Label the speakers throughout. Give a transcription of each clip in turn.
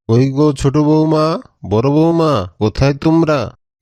Speaker 1: ওই গো ছোট বৌমা, বড় বৌমা, কোথায় তোমরা?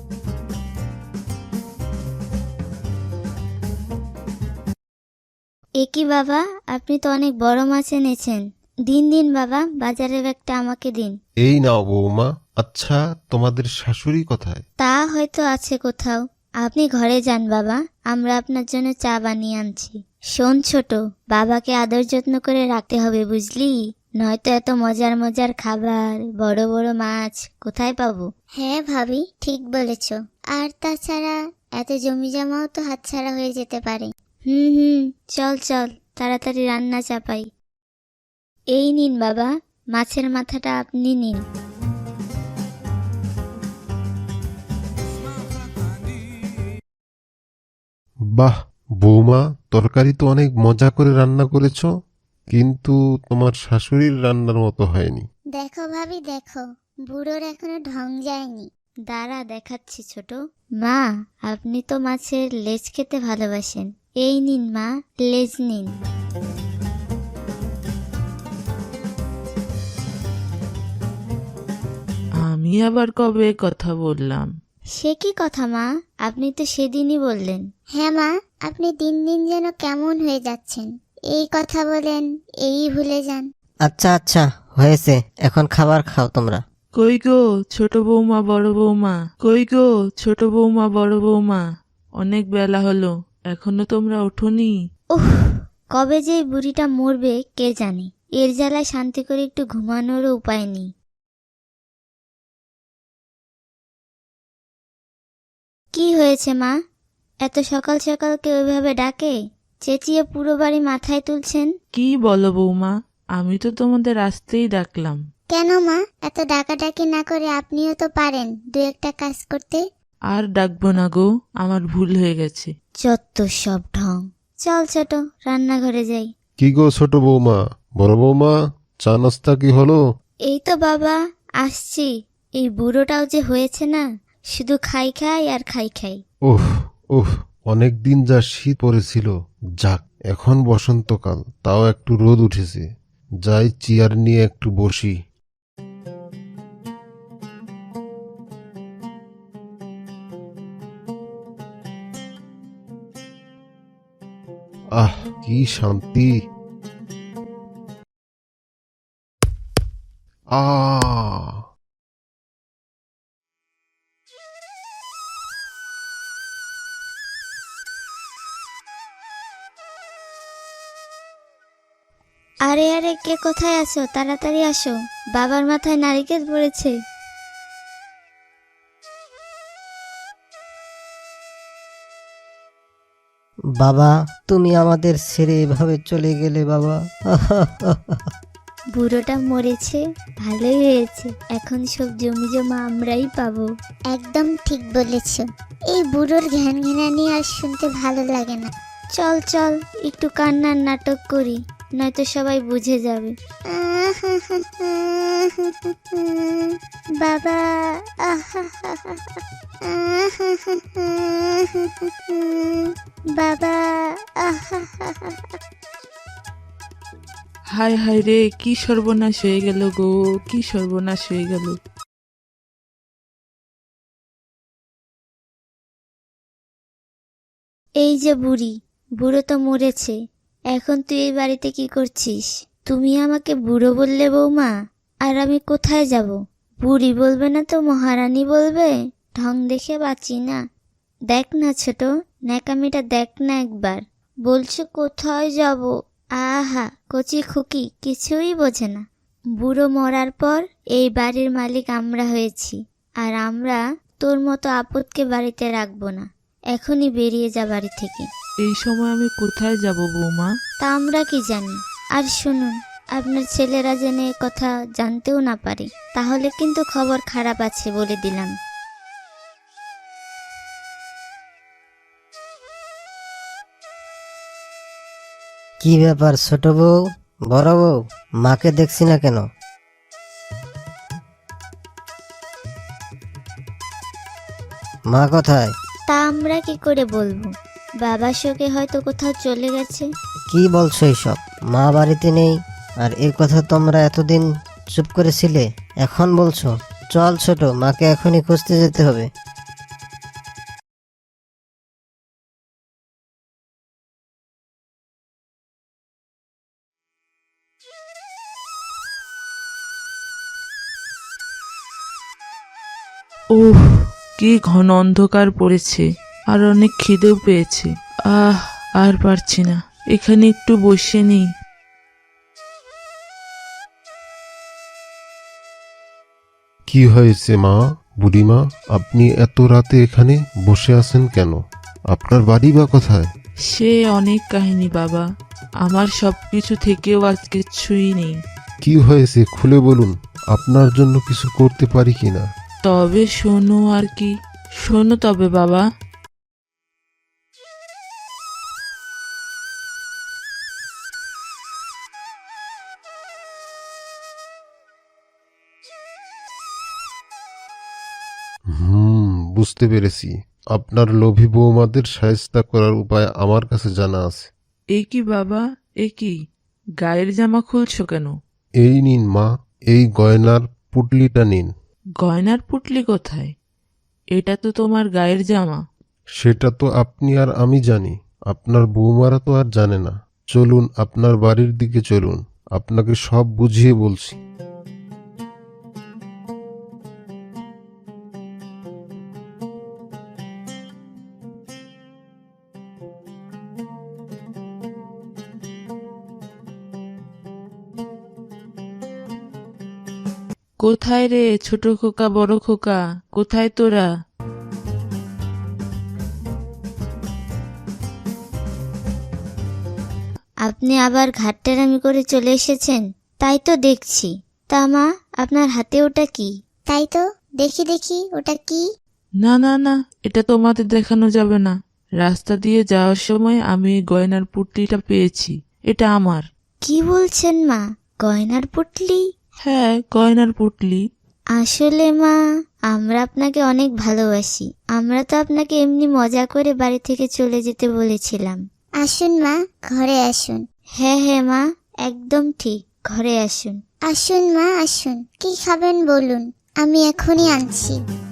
Speaker 2: এ কি বাবা, আপনি তো অনেক বড় মাছ এনেছেন। দিন দিন বাবা, বাজারের ব্যাগটা আমাকে দিন।
Speaker 1: এই নাও বৌমা। আচ্ছা, তোমাদের শাশুড়ি কোথায়?
Speaker 2: তা হয়তো আছে কোথাও। আপনি ঘরে যান বাবা, আমরা আপনার জন্য চা বানিয়ে আনছি। শোন ছোট, বাবাকে আদর যত্ন করে রাখতে হবে বুঝলি, নয়তো এত মজার মজার খাবার, বড় বড় মাছ কোথায় পাবো? হ্যাঁ ভাবি, ঠিক বলেছ। আর তাছাড়া এত জমি জমাও তো হাতছাড়া হয়ে যেতে পারে। হুম, চল চল, তাড়াতাড়ি রান্না চাপাই। এই নিন বাবা, মাছের মাথাটা আপনি নিন।
Speaker 1: বাহ বৌমা, তরকারি তো অনেক মজা করে রান্না করেছো, কিন্তু তোমার শাশুড়ির রান্নার মতো হয়নি।
Speaker 2: দেখো ভাবি দেখো, বুড়োর এখনো ঢং যায়নি। দাঁড়া দেখাচ্ছি ছোট। মা, আপনি তো মাছের লেজ খেতে ভালোবাসেন, এই নিন মা, লেজ নিন।
Speaker 3: আমি আবার কবে কথা বললাম?
Speaker 2: সে কি কথা মা, আপনি তো সেদিনই বললেন। হ্যাঁ মা, আপনি দিন দিন যেন কেমন হয়ে যাচ্ছেন, এই কথা বলেন, এই ভুলে যান।
Speaker 4: আচ্ছা আচ্ছা, হয়েছে, এখন খাবার খাও তোমরা।
Speaker 3: কই গো ছোট বৌমা বড় বৌমা, কই গো ছোট বৌমা বড় বৌমা, অনেক বেলা হলো, এখনো তোমরা ওঠোনি?
Speaker 2: উফ, কবে যে এই বুড়িটা মরবে কে জানে, এর জ্বালায় শান্তি করে একটু ঘুমানোরও উপায় নেই। কি হয়েছে মা, এত সকাল সকাল কেউ এভাবে ডাকে, চেঁচিয়ে পুরো বাড়ি মাথায় তুলছেন?
Speaker 3: কি বলো বৌমা, আমি তো তোমাদের আসতেই ডাকলাম।
Speaker 2: কেন মা, এত ডাকাডাকি না করে আপনিও তো পারেন দু একটা কাজ করতে।
Speaker 3: আর ডাকবো না গো, আমার ভুল হয়ে গেছে।
Speaker 2: যত সব ঢং। চল ছোট, রান্নাঘরে যাই।
Speaker 1: কি গো ছোট বৌমা, বড় বৌমা, চা নাস্তা কি হলো?
Speaker 2: এই তো বাবা, আসছি। এই বুড়োটাও যে হয়েছে না, শুধু খাই খাই আর খাই খাই।
Speaker 1: উফ উফ, অনেকদিন যা শীত পড়েছিল, যাক এখন বসন্তকাল, তাও একটু রোদ উঠেছে, যাই চেয়ার নিয়ে একটু বসি। আহ, কি শান্তি। আহ,
Speaker 2: আরে আরে, কে কোথায় আছো, তাড়াতাড়ি আসো, বাবার মাথায় নারিকেল পড়েছে।
Speaker 4: বাবা, তুমি আমাদের ছেড়ে এভাবে চলে গেলে বাবা।
Speaker 2: বুড়োটা মরেছে, ভালোই হয়েছে, এখন সব জমি জমা আমরাই পাবো। একদম ঠিক বলেছ, এই বুড়োর ঘ্যান ঘ্যানানি আর শুনতে ভালো লাগে না। চল চল, একটু কান্নার নাটক করি, নয়তো সবাই বুঝে যাবে। বাবা, বাবা।
Speaker 3: হায় হায় রে, কি সর্বনাশ হয়ে গেল গো, কি সর্বনাশ হয়ে গেল।
Speaker 2: এই যে বুড়ি, বুড়ো তো মরেছে, এখন তুই এই বাড়িতে কি করছিস? তুমি আমাকে বুড়ো বললে বৌমা, আর আমি কোথায় যাব? বুড়ি বলবে না তো মহারানী বলবে, ঢং দেখে বাঁচি না। দেখ না ছোট, ন্যাকামিটা দেখ না একবার, বলছে কোথায় যাব। আহা, কচি খুকি কিছুই বোঝে না। বুড়ো মরার পর এই বাড়ির মালিক আমরা হয়েছি, আর আমরা তোর মতো আপদকে বাড়িতে রাখবো না। এখনই বেরিয়ে যা বাড়ি থেকে।
Speaker 3: এই সময় আমি কোথায় যাব বৌমা?
Speaker 2: তা আমরা কি জানি। আর শুনুন, আপনার ছেলেরা জেনে এ কথা জানতেও না পারে, তাহলে কিন্তু খবর খারাপ আছে বলে দিলাম।
Speaker 4: কি ব্যাপার ছোট বউ, বড় বউ, মাকে দেখছি না কেন? মা কোথায়?
Speaker 2: তা আমরা কি করে বলবো, বাবা শোকে হয়তো কোথাও চলে গেছে।
Speaker 4: কি বলছো এইসব? মা বাড়িতে নেই, আর এই কথা তোমরা এতদিন চুপ করেছিলে, এখন বলছো? চল ছোট, মাকে এখনই খুঁজতে যেতে হবে।
Speaker 3: ওহ, কি ঘন অন্ধকার পড়েছে, আর অনেক খিদেও পেয়েছে। আর পারছি না, এখানে একটু বসে নিই।
Speaker 1: কি হয়েছে মা? বুড়িমা, আপনি এত রাতে এখানে বসে আছেন কেন? আপনার বাড়ি বা কোথায়?
Speaker 3: সে অনেক কাহিনী বাবা, আমার সবকিছু থেকেও আজ কিছুই নেই।
Speaker 1: কি হয়েছে খুলে বলুন, আপনার জন্য কিছু করতে পারি কিনা।
Speaker 3: তবে শোনো আর কি, শোনো তবে বাবা।
Speaker 1: বুঝতে পেরেছি। আপনার লোভী বৌমাদের শায়েস্তা করার উপায় আমার কাছে জানা আছে।
Speaker 3: এ কি বাবা, এ কি, গায়ের জামা খুলছো কেন?
Speaker 1: এই নিন মা, এই গয়নার পুটলিটা নিন।
Speaker 3: গয়নার পুটলি কোথায়? এটা তো তোমার গায়ের জামা।
Speaker 1: সেটা তো আপনি আর আমি জানি, আপনার বৌমারা তো আর জানে না। চলুন আপনার বাড়ির দিকে চলুন, আপনাকে সব বুঝিয়ে বলছি।
Speaker 3: কোথায় রে ছোট খোকা, বড় খোকা, কোথায় তোরা?
Speaker 2: আপনি আবার ঘাটতেরামি করে চলে এসেছেন, তাই তো দেখছি। তা মা, আপনার হাতে ওটা কি? তাই তো, দেখি দেখি ওটা কি।
Speaker 3: না না না, এটা তোমাদের দেখানো যাবে না। রাস্তা দিয়ে যাওয়ার সময় আমি এই গয়নার পুটলিটা পেয়েছি, এটা আমার।
Speaker 2: কি বলছেন মা, গয়নার পুটলি?
Speaker 3: হ্যাঁ, গয়নার পুটলি।
Speaker 2: আসলে মা, আমরা আপনাকে অনেক ভালোবাসি। আমরা তো আপনাকে এমনি মজা করে বাড়ি থেকে চলে যেতে বলেছিলাম।
Speaker 5: আসুন মা, ঘরে আসুন।
Speaker 2: হ্যাঁ হ্যাঁ মা, একদম ঠিক, ঘরে আসুন।
Speaker 5: আসুন মা, আসুন। কি খাবেন বলুন, আমি এখনই আনছি।